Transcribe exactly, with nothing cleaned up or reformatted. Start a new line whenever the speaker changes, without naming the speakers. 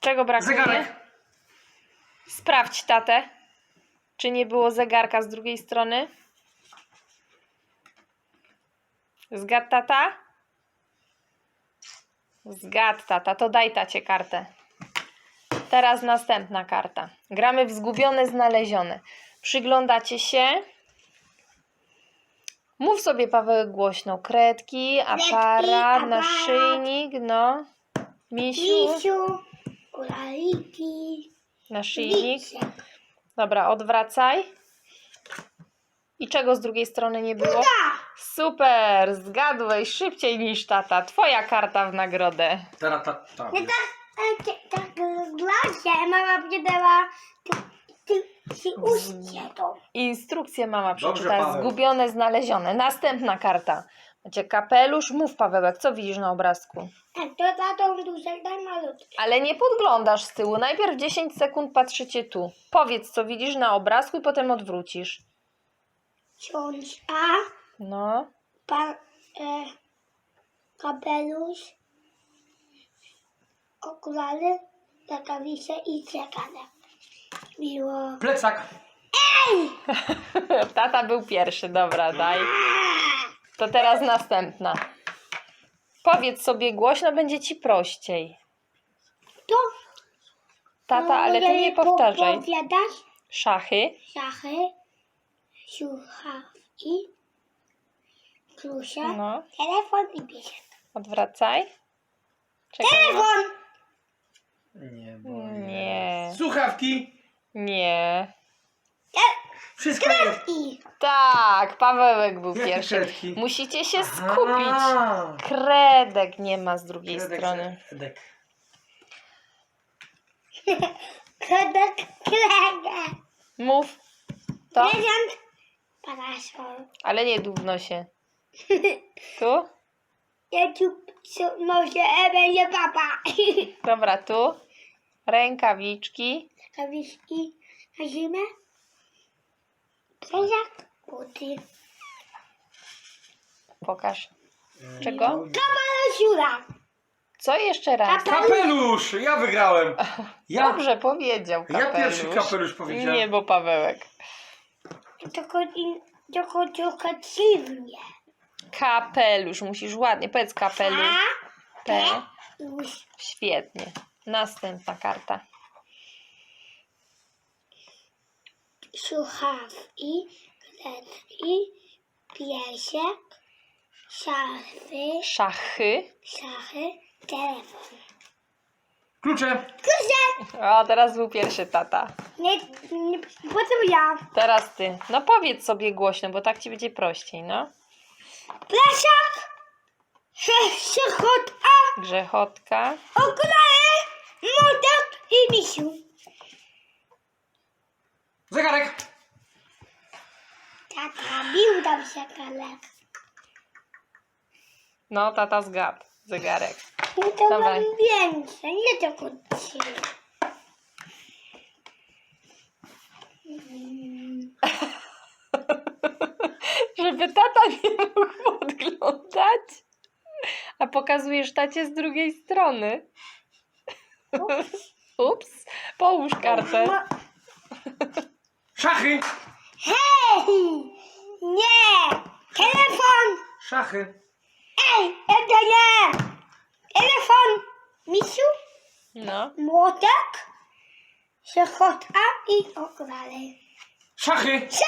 Czego brakuje?
Zegarek.
Sprawdź tatę. Czy nie było zegarka z drugiej strony? Zgadł tata? Zgadł tata. To daj tacie kartę. Teraz następna karta. Gramy w zgubione, znalezione. Przyglądacie się. Mów sobie, Paweł, głośno. Kredki, aparat,
aparat.
naszyjnik, no. Misiu,
Misiu, kulaliki,
naszyjnik.
liczek.
Dobra, odwracaj. I czego z drugiej strony nie było?
Ta,
Super, zgadłeś szybciej niż tata. Twoja karta w nagrodę.
Teraz ta, ta.
nie tak, e, tak, tak glasie, mama mnie dała, ty, ty, ty uście to.
Instrukcję mama
Dobrze,
przeczytała.
Paweł.
Zgubione, znalezione. Następna karta. Macie kapelusz. Mów, Pawełek, co widzisz na obrazku?
Tak, to tatą duże, daj malutkie.
Ale nie podglądasz z tyłu. Najpierw dziesięć sekund patrzycie tu. Powiedz, co widzisz na obrazku i potem odwrócisz.
Książka,
No.
pan, e, kapelusz, okulary, rękawice i zegarek. Miło.
Plecak.
Tata był pierwszy. Dobra, daj. To teraz następna. Powiedz sobie głośno, będzie ci prościej.
To
Tata, ale ty nie powtarzaj.
Powiadasz
Szachy.
szachy, słuchawki, klucze,
No.
telefon i piesek.
Odwracaj. Czekaj.
Telefon!
Nie, bo
Nie.
Słuchawki.
Nie.
Wszystko jest.
I
Tak, Pawełek był
Jakie
pierwszy.
kredki?
Musicie się skupić.
Aha.
Kredek nie ma z drugiej
Kredek,
strony.
kredek.
kredek, kredek.
Mów. To,
Prezent, parasol.
ale nie dówno się. Tu?
Ja tu noszę, e, będzie papa.
Dobra, tu. Rękawiczki.
Rękawiczki na zimę. Prezent, buty.
Pokaż. Czego?
Kapelusiura.
Co jeszcze raz?
Kapelusz! Ja wygrałem. Ja,
Dobrze powiedział
ja
kapelusz.
pierwszy kapelusz powiedziałem.
Nie, bo Pawełek.
Tylko, tylko trochę dziwnie.
Kapelusz. Musisz ładnie. Powiedz kapelusz.
A,
P.
już.
Świetnie. Następna karta.
Słuchawki, kredki, piesek, szafy,
Szachy.
szachy, telefon.
Klucze.
Klucze!
O, teraz był pierwszy tata.
Nie, nie, potem ja.
Teraz ty. No powiedz sobie głośno, bo tak ci będzie prościej, no.
Plecak, przechotka,
Grzechotka.
okulary, młotek i misiu.
Zegarek.
Tata, bił tam zegarek.
No, tata zgadł. Zegarek.
No to
Dawaj.
mam więcej, nie tylko trzy.
Żeby tata nie mógł podglądać. A pokazujesz tacie z drugiej strony. Ups. Połóż kartę.
No,
Szachy.
hej! Nie! Telefon!
Szachy.
Ej, to nie! Telefon! Misiu,
No.
młotek, przechotka i okulary.
Szachy.